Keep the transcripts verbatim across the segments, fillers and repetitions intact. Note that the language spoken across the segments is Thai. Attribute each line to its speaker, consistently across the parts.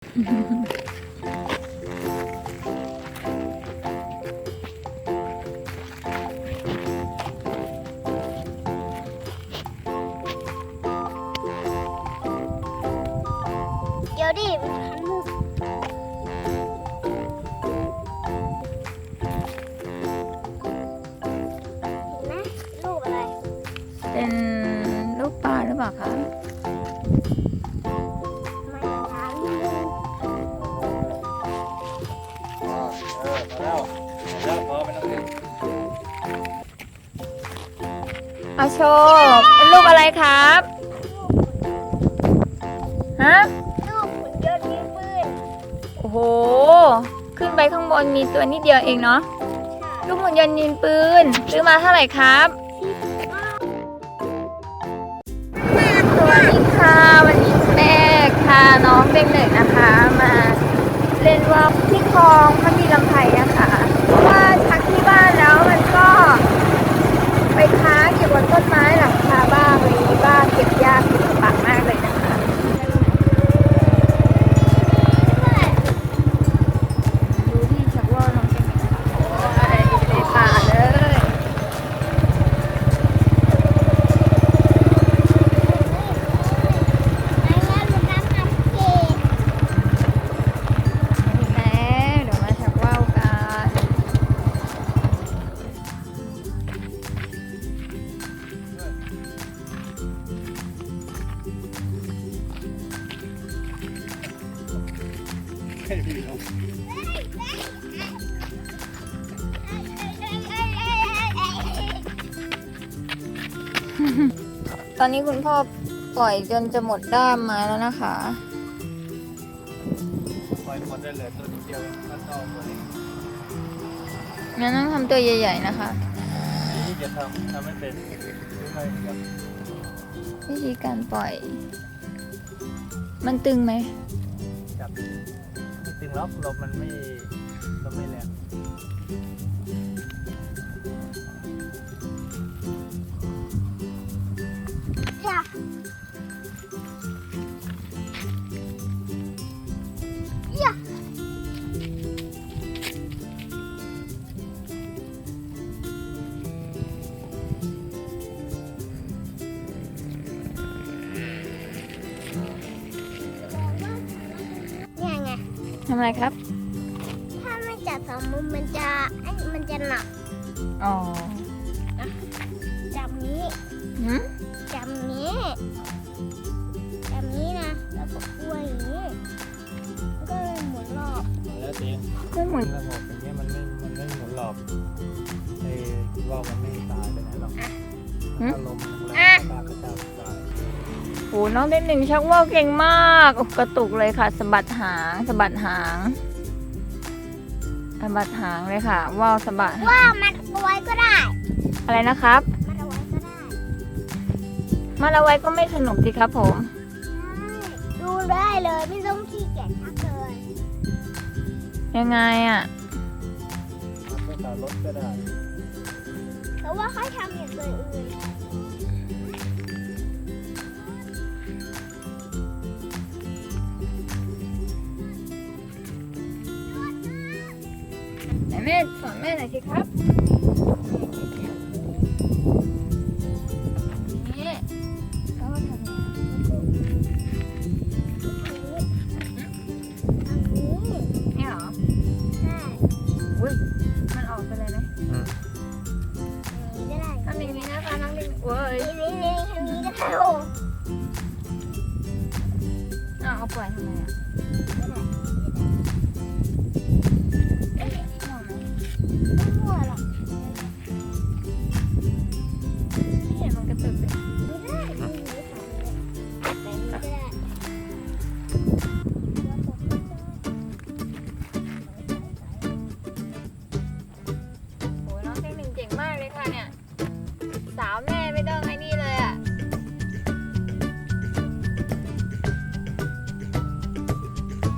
Speaker 1: เดี๋ยวดิมันทำลูกเห็นไหมลูกอะไร
Speaker 2: เป็นลูกปลาหรือเปล่าคะ
Speaker 1: มันถามลูก
Speaker 3: อ๋อเออพอแล้วแล้วพอไม่ต้องเล่น
Speaker 2: เอาโชว์เป็นลูกอะไรครับ ฮะ
Speaker 1: ลูกหุ่นยนต์ยิงปืน
Speaker 2: โอ้โห ขึ้นไปข้างบนมีตัวนิดเดียวเองเนาะ ลูกหุ่นยนต์ยิงปืน ซื้อมาเท่าไหร่ครับ สวัสดีค่ะ วันนี้แม่พาน้องเด็กหนึ่งนะคะ มาเล่นวอล์กที่คลองพระมีลำไพนะคะเพราะว่าพักที่บ้านแล้วมันก็ ไปค้างอยู่บนต้นไม้หลังคาบ้างอะไรอย่างนี้บ้างเก็บยากเก็บลำบากมากเลยนะคะดูที่ชักว่าวน้องเก่งนะคะโอ้ยในป่าเลย
Speaker 1: ไอ้แม่มันน้ำมันเกศ
Speaker 2: ถึงแล้วเดี๋ยวมาชักว่าวกัน
Speaker 3: ให้พี่เขา
Speaker 2: ตอนนี้คุณพ่อปล่อยจนจะหมดด้ามไม้แล้วนะคะ
Speaker 3: ปล่อยหมดได้เลยตัวนิดเดียวเองถ้าเข้าตัวนี้
Speaker 2: งั้นต้องทำตัวใหญ่ๆนะคะ
Speaker 3: นี่จะทำทำไม่เป็นไม่ค่อยแบบ
Speaker 2: วิธีการปล่อย มันตึงไหม
Speaker 3: จับไม่ตึงล็อกลมมันไม่ลมไม่แรง
Speaker 1: จ้ะยะเนี่ยไง
Speaker 2: ทำอะไรครับ
Speaker 1: ถ้าไม่จับสองมุมมันจะไอ้มันจะหนัก
Speaker 2: อ๋อ
Speaker 1: จับนี้
Speaker 2: หืม
Speaker 1: จับนี้จับนี้นะ แล้วก็กล้วยอย่างนี้มันก็เลยหมุนรอบ
Speaker 3: แล้วเอง
Speaker 2: ก็หมุน
Speaker 3: ระบบอย่างเงี้ยมันไม่มันไม่หมุนหลอกไอ้ว่าวมันไม่ตายไปไหนหรอกถ้าลมแรงตากระจายตาย
Speaker 2: โอ้น้องเด็กหนึ่งชักว่าวเก่งมากโอ้กระตุกเลยค่ะสะบัดหางสะบัดหางสะบัดหางเลยค่ะว่าวสะบัดหาง
Speaker 1: ว่ามันเอาไว้ก็ได้
Speaker 2: อะไรนะครับ
Speaker 1: มันเอาไว้ก็ได้
Speaker 2: มันเอาไว้ก็ไม่สนุกสิครับผม
Speaker 1: ดูได้เลยไม่ต้องขี้เกียจทักเลย
Speaker 2: ยังไงอ่ะ
Speaker 3: ไม่ตารถก็ได้
Speaker 1: แต่ว่าเขาทำอย่างอื่น
Speaker 2: ไหนแม่สอนแม่หน่อยสิครับนี่เขาก็ทำอย่างนี้
Speaker 1: อันนี้
Speaker 2: นี่เหรอ
Speaker 1: ใช่
Speaker 2: อุ้ยมันออกไปเลยไหม
Speaker 1: อันนี้ก็ได้
Speaker 2: ทำอย่างนี้นะคะน้องลิงเว้ย
Speaker 1: นี่นี่นี่อันนี้ก็ได้โอ้
Speaker 2: อ้าวเอาปล่อยทำไมอ่ะมั่วไหม
Speaker 1: ไม่มั่วหรอก
Speaker 2: ไม่เห็นมันกระตุกเลย
Speaker 1: ไม่ได้ไม่ได้ทำเลยแต่นี้ก็ได้
Speaker 2: โอ้ยน้องเทคนิคเก่งมากเลยค่ะเนี่ย สาวแม่ไม่ต้องไอ้นี่เลยอ่ะ
Speaker 1: เ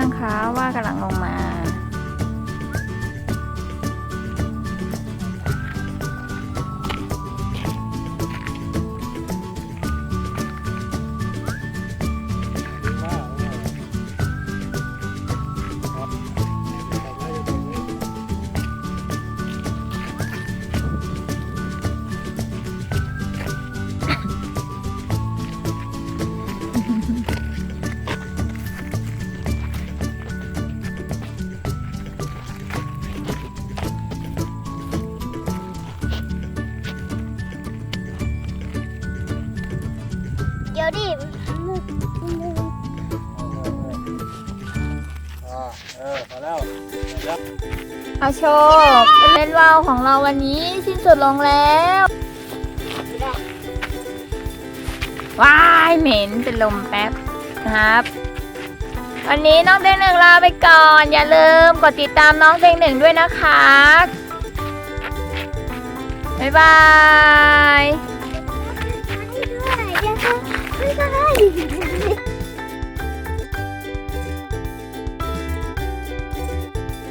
Speaker 2: ยังคะว่ากำลังลงมา
Speaker 1: เดี๋ยวดิมือมือ
Speaker 3: อ่าเออพอแล้วเดี๋ยว
Speaker 2: อาโชคเล่นว่าวของเราวันนี้สิ้นสุดลงแล้วว้ายเหม็นเป็นลมแป๊บนะครับ วันนี้น้องเต็งหนึ่งลาไปก่อน อย่าลืมกดติดตามน้องเต็งหนึ่งด้วยนะคะบ๊ายบาย
Speaker 1: ด้วยเดี๋ยวเขาไม่ได้